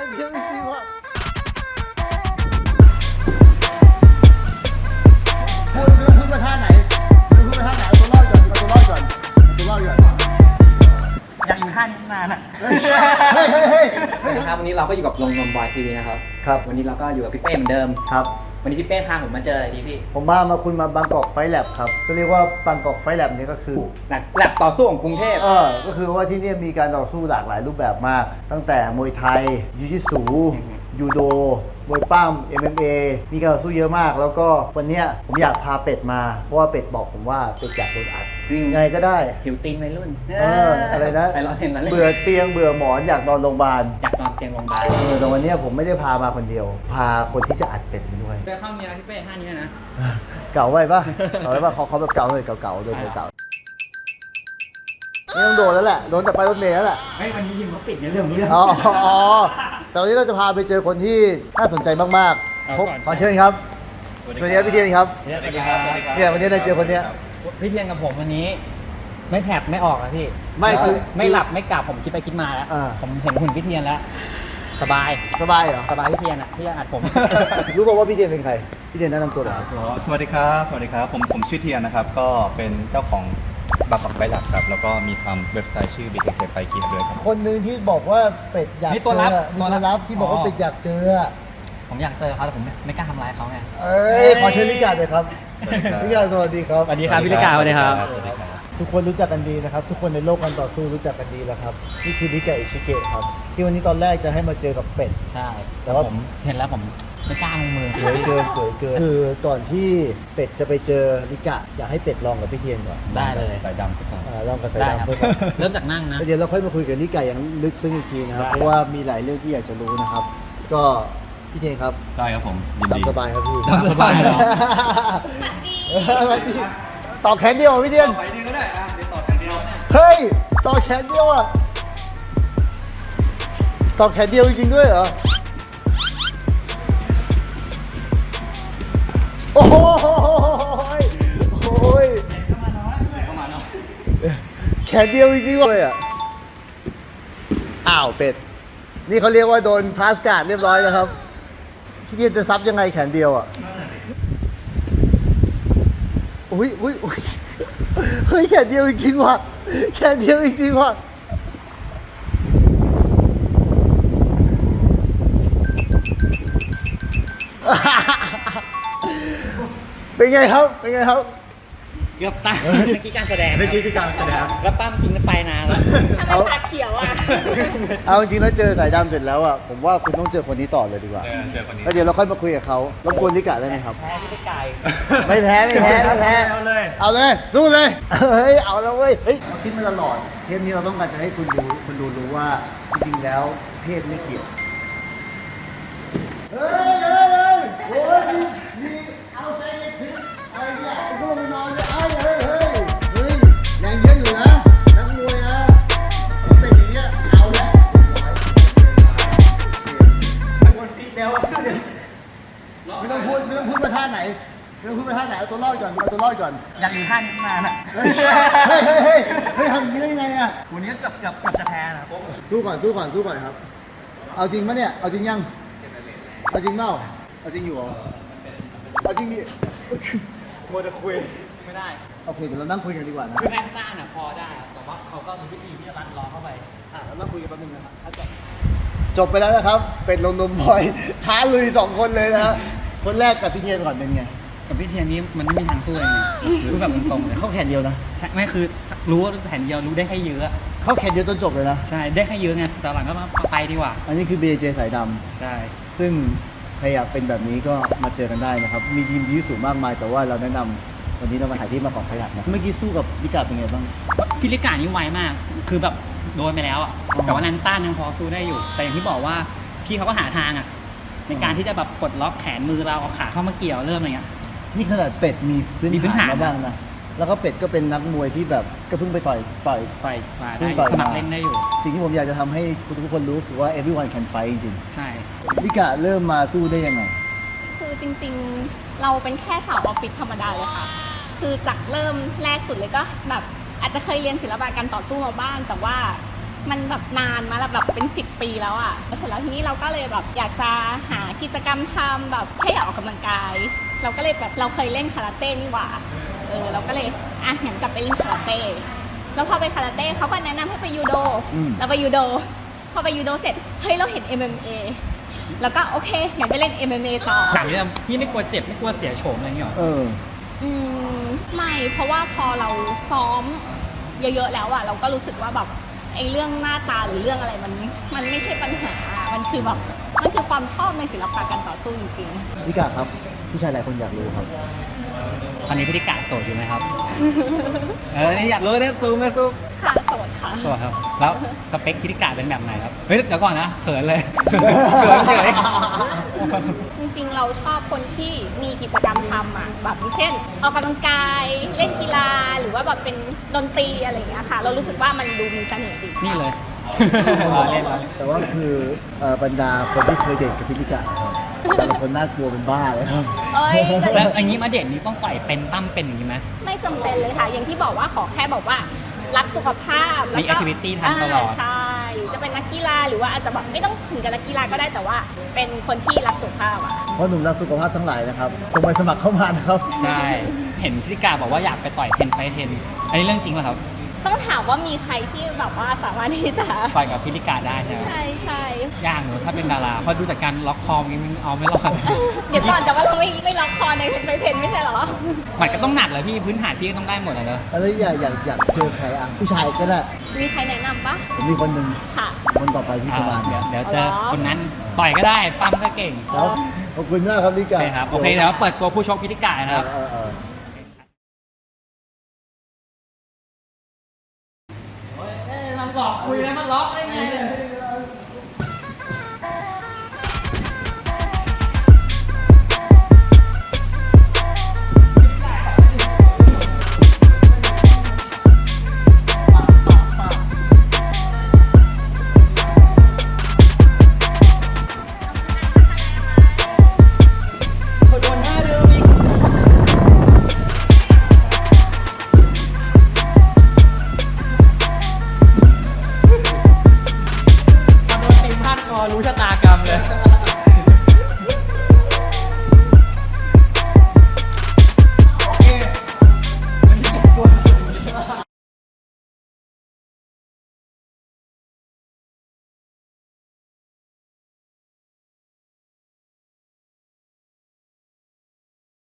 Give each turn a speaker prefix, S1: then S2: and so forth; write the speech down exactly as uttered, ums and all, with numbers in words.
S1: อย่างเดียวจริงๆว่ะพูดไม่ต้องพูดมาท่าไหนไม่ต้องพูดมาท่าไหนเอาตัวรอดก่อนเอาตัวรอดก่อนเอาตัวรอดก่อน
S2: อยากอยู่ท่านี้นานอ่ะ
S1: เฮ้ยเฮ้ยเฮ้ยเฮ้ย
S2: ครับวันนี้เราก็อยู่กับลงนมบอยทีวีนะครับ
S1: ครับ
S2: วันนี้เราก็อยู่กับพี่เป้เหมือนเดิม
S1: ครับ
S2: วันนี้พี่เป้พาผมมาเจออะไรดีพี่
S1: ผมมามาคุณมาบางกอกไฟแลบครับก็เรียกว่าบางกอกไฟแลบนี่ก็คือ
S2: แลบต่อสู้ของกรุงเทพ
S1: เออก็คือว่าที่นี่มีการต่อสู้หลากหลายรูปแบบมากตั้งแต่มวยไทยยูจิสูยูโดมวยปั้ม เอ็ม เอ็ม เอ มีการต่อสู้เยอะมากแล้วก็วันนี้ผมอยากพาเป็ดมาเพราะว่าเป็ดบอกผมว่าเป็ดอยากโดนอัดไงก็ได้
S2: หิวตีนวัยรุ่น
S1: เอออะไรนะ
S2: ไปรอเล่นรอเล่น
S1: เบื่อเตียงเบื่อหมอนอยากนอนโรงพยาบาล
S2: อยากนอนเตียงโรงพยาบาล
S1: เออแต่วันนี้ผมไม่ได้พามาคนเดียวพาคนที่จะอัดเป็ดมาด้วย
S2: เดินเข้าเมียพี่เป้ห้านี้นะ
S1: เก่าไว้ปะเก่าไว้ปะเขาเขาแบบเก่าเลยเก่าๆโดนเก่าไม่ต้องโดนแล้วแหละโดนแต่ไปรถเมล์แล้วแหละ
S2: ไอ้วันนี้ยิมเขาปิดในเรื่องนี้
S1: อ๋อแต่วันนี้เราจะพาไปเจอคนที่น่าสนใจมากๆขอเชิญครับสวัสดีครับพี่เทียนครับ
S2: สวัสดีครับ
S1: เนี่ยวันนี้ได้เจอคนเนี้ย
S2: พี่เทียนกับผมวันนี้ไม่แผลบไม่ออกอะพี่
S1: ไม่คือ
S2: ไม่หลับไม่กลับผมคิดไปคิดมาแล้วผมเห็นหุ่นพี่เทียนแล้วสบาย
S1: สบายเหรอ
S2: สบายพี่เทียนอะพี่ยังอัดผม
S1: รู้ป่าวว่าพี่เทียนเป็นใครพี่เทียนแนะนำตัวหน่อย
S3: สวัสดีครับสวัสดีครับผมผมชื่อเทียนนะครับก็เป็นเจ้าของบางกอกไฟแลบครับแล้วก็มีทำเว็บไซต์ชื่อ บี เค เค ไฟกีด้วยครับ
S1: คนหนึ่งที่บอกว่าเป็ดอยากเจอมีตัวรับที่บอกว่าเป็ดอยากเจอ
S2: ผมอยากเจอเขาแต่ผมไม่กล้าทำร้ายเขาไง
S1: เอ้ยขอเชิญลิกาเลยครับลิกาสวัสดีครับ
S2: สวัสดีครับพี่ลิกาสวัสดีครับ
S1: ทุกคนรู้จักกันดีนะครับทุกคนในโลกการต่อสู้รู้จักกันดีแล้วครับนี่คือลิกาอิชิเกะครับที่วันนี้ตอนแรกจะให้มาเจอกับเป็ด
S2: ใช่แต่ว่าผมเห็นแล้วผมไม่กล้าลงมือ
S1: สวยเกินสวยเกินคือก่อนที่เป็ดจะไปเจอลิกะอยากให้เป็ดลองกับพี่เทียนก่อน
S2: ได้เลย
S3: สายดำสักก่อน
S1: ลองกับสายดำสักก่อน
S2: เริ่มจากนั่งนะ
S1: เดี๋ยวเราค่อยมาคุยกับลิกะอย่างลึกซึ้งอีกทีนะครับเพราะว่ามีหลายเรื่องที่อยากจะรู้นะครับก็พี่เทียนครับ
S3: ได้ครับผมยินดี
S1: สบายครับพี่
S2: สบายเนาะ
S1: ต่อแขนเดียวพี่เทียน
S3: ต่อแขนเดียวก็ได้อ่ะเดี๋ยวต่อแขนเดียว
S1: เฮ้ยต่อแขนเดียวอ่ะต่อแขนเดียวจริงๆด้วยเหรอโอ้โหโอ้ยเข้ามาเนาะเข้ามาเนาะแขนเดียวจริงๆเลยอ่ะอ้าวเป็ดนี่เขาเรียกว่าโดนพาสการ์ดเรียบร้อยแล้วครับพี่เทียนจะซับยังไงแขนเดียวอ่ะอุ้ยอุ้ยอุ้ยเฮ้ยแขนเดียวจริงๆว่ะแขนเดียวจริงๆว่ะเป็นไงครับเป็นไงครับ
S2: เกือบตายเมื่อกี้การแสดง
S3: เมื่อกี้คือการแสดง
S2: แล้วป้ามจริงไปนานแล้ว
S4: ทำไมปากเขียวอ่ะ
S1: เอาจริงแล้วเจอสายดำเสร็จแล้วอ่ะผมว่าคุณต้องเจอคนนี้ต่อเลยดีกว่า
S3: เจอคนนี้
S1: แล้วเดี๋ยวเราค่อยมาคุยกับเขารบกวนลิกะได้ไหมครับ
S2: แพ้ที่ไม่ไกล
S1: ไม่แพ้ไม่แพ้ไม่แพ้
S3: เอาเลย
S1: เอาเลยสู้เลยเฮ้ยเอาแล้วเว้ยเฮ้ยเราคิดมาตลอดเทปนี้เราต้องการจะให้คุณดูคุณดูรู้ว่าจริงๆแล้วเพศไม่เกี่ยวเฮ้ยเฮ้ยเฮ้ยโอ้ยมีมีเอาใส่ในทึกอะไรเนี่ยไอ้พวกมันนอนเลยไอ้เฮ้ยเฮ้ยเฮ้ยแรงเยอะอยู่นะนักมวยนะเป็นอย่างเงี้ยเอาแล้วไม่ต้องพูดไม่ต้องพูดมาท่าไหนไม่ต้องพูดมาท่าไหนเอาตัวรอดก่อนเอาตัวรอดก่อน
S2: อยากอยู่ท่านี้นานอ่ะ
S1: เฮ้ยเฮ้ยเฮ้ยเฮ้ยทำอย่างนี้ได้ไงอ่ะ
S2: วันนี้เกือบเกือบเกือบจะแพ้นะครับ
S1: สู้ก่อนสู้ก่อนสู้ก่อนครับเอาจริงปะเนี่ยเอาจริงยังเอาจริงเปล่าเอาจริงอยู่เหรอเอาจริงดิมัวแต่คุย
S2: ไม่ได้
S1: โอเคเดี๋ยวเรานั่งคุยกันดีกว่านะ
S2: คือแรงต้านอ่ะพอได้แต่ว่าเขาก็มีวิธีที่จะรัดล้อเข้าไป
S1: อ่ะเรานั่งคุยกันแป๊บนึงนะครับจบจบไปแล้วนะครับเป็นลมนมบอยท้าลุยสองคนเลยนะฮะคนแรกกับพี่เทียนก่อนเป็นไง
S2: กับพี่เทียนนี้มันไม่มีทางสู้เลยรู้แบบตรงๆเลย
S1: เข้าแขนเดียวนะ
S2: ใช่ไม่คือรู้ว่าแขนเดียวรู้ได้แค่เยอะ
S1: เข้าแขนเดียวจนจบเลยนะ
S2: ใช่ได้แค่เยอะไงแต่หลังก็มาไปดีกว่า
S1: อันนี้คือ บี เจ สายดำ
S2: ใช่
S1: ซึ่งใครอยากเป็นแบบนี้ก็มาเจอกันได้นะครับมีทีมยืดสูงมากมายแต่ว่าเราแนะนำวันนี้เรามาถ่ายที่มาของขยับนะเมื่อกี้สู้กับลิกาเป็นไงบ้าง
S2: พี่ลิกานี่ไวมากคือแบบโดนไปแล้วอ่ะแต่ว่านันต้านยังพอสู้ได้อยู่แต่อย่างที่บอกว่าพี่เขาก็หาทางอ่ะในการที่จะแบบกดล็อกแขนมือเราเอาขาเข้ามาเกี่ยวเริ่มอะไรเงี้ย
S1: นี่ขนาดเป็ดมีพื้นฐานมาบ้างนะแล้วก็เป็ดก็เป็นนักมวยที่แบบก็เพิ่งไปต่อยต่อย
S2: ต่อยมาได้สมัครเล่นได้อยู่
S1: สิ่งที่ผมอยากจะทำให้ทุกคนรู้คือว่า everyone can fight จริง
S2: ใช่
S1: ลิกาเริ่มมาสู้ได้ยังไง
S4: คือจริงๆเราเป็นแค่สาวออฟฟิศธรรมดาเลยค่ะคือจากเริ่มแรกสุดเลยก็แบบอาจจะเคยเรียนศิลปะการต่อสู้มาบ้างแต่ว่ามันแบบนานมาแล้วแบบเป็นสิบปีแล้วอ่ะเสร็จแล้วทีนี้เราก็เลยแบบอยากจะหากิจกรรมทำแบบแค่อยากออกกำลังกาย เราก็เลยแบบเราเคยเล่นคาราเต้นี่หว่าเออเราก็เลยอ่ะงั้นกลับไปเล่นคาราเต้แล้วพอไปคาราเต้เขาก็แนะนำให้ไปยูโด
S1: อืม
S4: เราไปยูโดพอไปยูโดเสร็จเฮ้ยเราเห็น เอ็ม เอ็ม เอ แล้วก็โอเคงั้นไปเล่น เอ็ม เอ็ม เอ ต่อ
S2: หลังจากพี่ไม่กลัวเจ็บไม่กลัวเสียโฉมอะไรอย่างเงี้ยหรอ
S1: เออ
S4: อืมไม่เพราะว่าพอเราซ้อมเยอะๆแล้วอะเราก็รู้สึกว่าแบบไอ้เรื่องหน้าตาหรือเรื่องอะไรมันมันไม่ใช่ปัญหา มันคือแบบมันคือความชอบในศิลปะการต่อสู้จริง
S1: นิกาครับผู้ชายหลายคนอยากรู้ครับ
S2: ตอนนี้พิธีกะโสดอยู่ไหมครับ เออนี่อยากรู้เนี่ยซูมนะซูม
S4: ๆค่ะโสดค่ะ
S2: โสดครับ แล้วสเปคพิธีกะเป็นแบบไหนครับ เฮ้ยเดี๋ยวก่อนนะเขินเลย เขินเฉย
S4: จริงๆ เราชอบคนที่มีกิจกรรมทำอ่ะแบบเช่นออกกำลังกายเล่นกีฬาหรือว่าแบบเป็นดนตรีอะไรอย่างเงี้ยค่ะ เรารู้สึกว่ามันดูมีเสน่ห์ดี
S2: นี่เลย รอเล่นรอเล่น
S1: แต่ว่าคือเอ่อบรรดาคนที่เคยเดทกับพินิกาครับแต่ละคนน่ากลัวเป็นบ้าเลยครับ
S4: เอ้ยแต่
S2: แล้วอันนี้มาเด่นนี้ต้องต่อยเป็นตั้มเป็นอย่างนี้ไหม
S4: ไม่จำเป็นเลยค่ะ อย่างที่บอกว่าขอแค่บอกว่ารักสุขภาพแล้ว
S2: มี
S4: ก็
S2: activity ทำตลอด
S4: าใช่ จะเป็นนักกีฬาหรือว่าอาจจะแบบไม่ต้องถึงกับนักกีฬาก็ได้แต่ว่าเป็นคนที่รักสุขภาพอ่ะ
S1: เพราะหนุ่มรักสุขภาพทั้งหลายนะครับส่งใบสมัครเข้ามานะครับ
S2: ใช่ เห็นพิธีกะบอกว่าอยากไปต่อยเทนไฟเทน อันนี้เรื่องจริงป่ะครับ
S4: ต้องถามว่ามีใครที่แบบว่าสามารถที่จะ
S2: ต่อยกับพิธีกะได้ใช่ไหม
S4: ใช่ใช่
S2: ยากเนอะถ้าเป็นดาราเพราะดูจากการล็อกคอมยังเอาไม่รอด
S4: เดี๋ยวก่อนแต่ว่าเราไม่ไม่ล็อกคอในเพนเพนไม่ใช่เหรอ
S2: มันก็ต้องหนักเลยพี่พื้นฐานพี่ก็ต้องได้หมดเลยเนอะ
S1: แล้วอยากอยากอยากเจอใครอ่ะผู้ชายก็ได้
S4: มีใครแนะนำปะ
S1: ผมมีคนหนึ่ง
S4: ค่ะ
S1: คนต่อไปที่จะมา
S2: เดี๋ยวเดี๋ยวเจอ
S4: อ๋อ
S2: คนนั้นต่อยก็ได้ปั้มก็เก่ง
S1: แล้วขอบคุณมากครับนิ
S2: โอก
S1: า
S2: เคครับโอเคเดี๋ยวเปิดตัวผู้ชกพิธีกะนะครับ
S1: เออเออเออ